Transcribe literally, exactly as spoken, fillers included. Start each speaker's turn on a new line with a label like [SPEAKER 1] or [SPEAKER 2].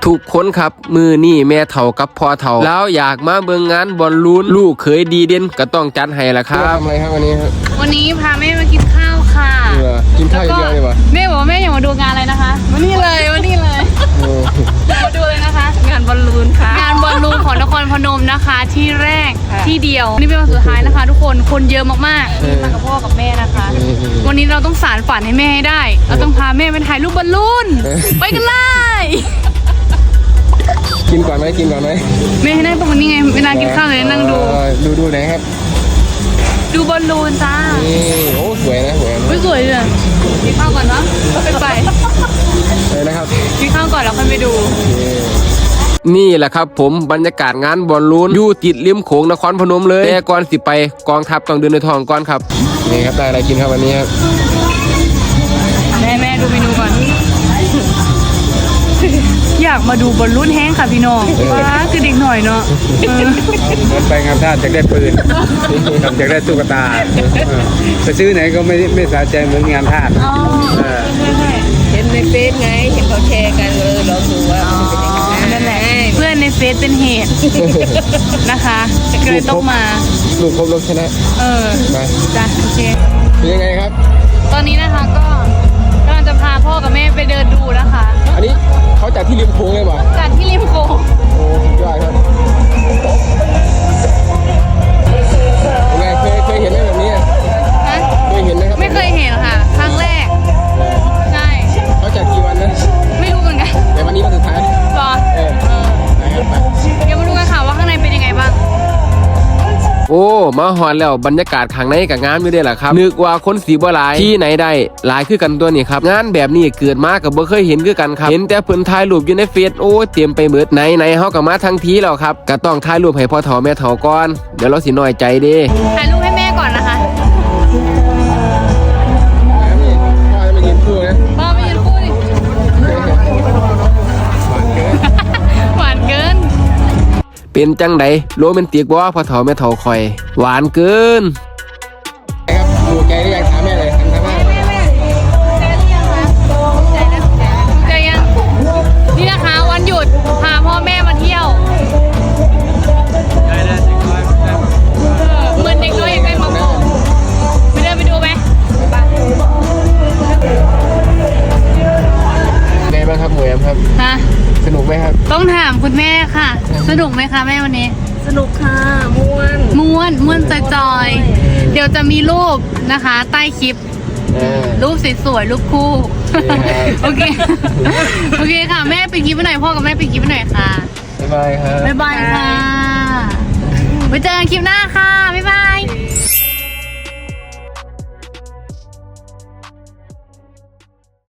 [SPEAKER 1] ทุกคนครับมือนี่แม่เฒ่ากับพ่อเฒ่าแล้วอยากมาเบิ่งงานบอลลูนลูกเคยดีเด่นก็ต้องจัดให้ละครับ
[SPEAKER 2] ทำอะไรครับวันนี้ครับ
[SPEAKER 3] วันนี้พาแม่มากินข้าวค่ะ
[SPEAKER 2] กินข้าวเยอะเลยวะ
[SPEAKER 3] แม่บอกว่าแม่อยากมาดูงานอะไรนะคะวันนี้เลยวันนี้เลยมาดูเลยนะคะงานบอลลูนค่ะงานบอลลูนของนครพนมนะคะที่แรกที่เดียวนี่เป็นวันสุดท้ายนะคะ ทุกคนคนเยอะมากๆนี่มากับพ่อกับแม่นะคะ วันนี้เราต้องสานฝันให้แม่ให้ได้เราต้องพาแม่ไปถ่ายรูปบอลลูนไปกันเลย
[SPEAKER 2] กินก่อนไหมกินก่อนไหม
[SPEAKER 3] แม่ให้นั่งตรงนี้ไงเวลากินข้าวเลยนั่งดู
[SPEAKER 2] ดูดูไหนครับ
[SPEAKER 3] ดูบอลลูนจ้า
[SPEAKER 2] นี่โอ้สวยนะสวย
[SPEAKER 3] ไม่สวยเลยกินข้าวก่อนเนาะไปไป
[SPEAKER 2] เลยนะครับ
[SPEAKER 3] กินข้าวก่อนแล้วค่อยไปดู
[SPEAKER 1] นี่แหละครับผมบรรยากาศงานบอลลูนอยู่ติดริมโขงนครพนมเลยแต่ก่อนสิไปกองทัพต้องเดินในท้องก่อนครับ
[SPEAKER 2] นี่ครับได้อะไรกินครับวันนี้ครับ
[SPEAKER 3] แม่แม่ดูเมนูก่อนอยากมาดูบอลลูนแห้งค่ะพี่น้องว้าคือเด็กหน่อยเนาะ
[SPEAKER 2] เหมือนไปงานท่าจะได้ปืนกับจะได้ตุ๊กตาไปซื้อไหนก็ไม่ไม่สะใจเหมือนงานท่า
[SPEAKER 4] เห็นในเฟซไงเห็นเขาแชร์กันเลยลองดูว่า
[SPEAKER 3] มันเป็นยังไงนั่นแหละเพื่อนในเฟซเป็นเหตุนะคะก็เลยต้องมา
[SPEAKER 2] ลูกครบลูกชนะ
[SPEAKER 3] เออจ้ะโอเค
[SPEAKER 2] เป็นยังไงครับ
[SPEAKER 3] ตอนนี้นะคะก็กำลังจะพาพ่อกับแม่ไปเดินดูนะคะ
[SPEAKER 2] อันนี้เขาจัดที่ริมโขงเลยป่ะ
[SPEAKER 3] จัดที่ริมโขง
[SPEAKER 2] โอ้ยอดครับยังไงเคยเคยเห็นไหมแบบนี้เคยเห็นไหมครับ
[SPEAKER 3] ไม่เคยเห็นค่ะครั้งแรกใช่
[SPEAKER 2] เขาจัดกี่วันนะ
[SPEAKER 3] ไม่รู้เหมือนกัน
[SPEAKER 2] แต่วันนี้วันสุดท้าย
[SPEAKER 3] หรอ
[SPEAKER 2] เออนะครับไป
[SPEAKER 3] เดี๋ยวมาดูกันค่ะว่าข้างในเป็นยังไงบ้าง
[SPEAKER 1] โอ้มาหอนแล้วบรรยากาศข้างในกับงานอยู่ได้แหละครับนึกว่าคนสีบ่หลายที่ไหนได้หลายคือกันตัวนี้ครับงานแบบนี้เกิดมากับบ่เคยเห็นคือกันครับเห็นแต่เพิ่นถ่ายรูปอยู่ในเฟซโอ้เตรียมไปเบิดไหนไหนเฮาก็มาทั้งทีแล้วครับก็ต้องถ่ายรูปให้พ่อเฒ่าแม่เฒ่าก่อนเดี๋ยวเราสิน้อยใจเด้
[SPEAKER 3] ถ่ายรูปให้แม่ก่อนนะคะ
[SPEAKER 2] พ่อจะมายืนคู่นะ
[SPEAKER 3] พ่อมายืนคู่ดิหวานเกิน
[SPEAKER 1] เป็นจังไดโรแมนติกบ่พ่อเฒ่าแม่เฒ่าคอยหวานเกิน
[SPEAKER 2] ครับดูใจหรือยังถามแม่เลยถามแม่
[SPEAKER 3] แม่แม่ใจหรือยังคะใจแล้วใจยังนี่นะคะวันหยุดพาพ่อแม่มาเที่ยวเหมือนเด็กน้อยอยากได้มาโป่งไปเดินไปดูไหม
[SPEAKER 2] ไงบ้างครับหมวยครับ
[SPEAKER 3] ฮะ
[SPEAKER 2] สนุกไหมครับ
[SPEAKER 3] ต้องถามคุณแม่ค่ะสนุกไหมคะแม่วันนี้
[SPEAKER 4] สนุกค่ะม้วน
[SPEAKER 3] ม้วนม้วนจอยๆเดี๋ยวจะมีรูปนะคะใต้คลิปรูปสวยๆรูปคู่โอเคโอเคค่ะแม่ไปคลิปไปหน่อยพ่อกับแม่ไปคลิปไปหน่อยค่ะ
[SPEAKER 2] บ๊ายบายครับ
[SPEAKER 3] บ๊ายบายค่ะไว้เจอกันคลิปหน้าค่ะ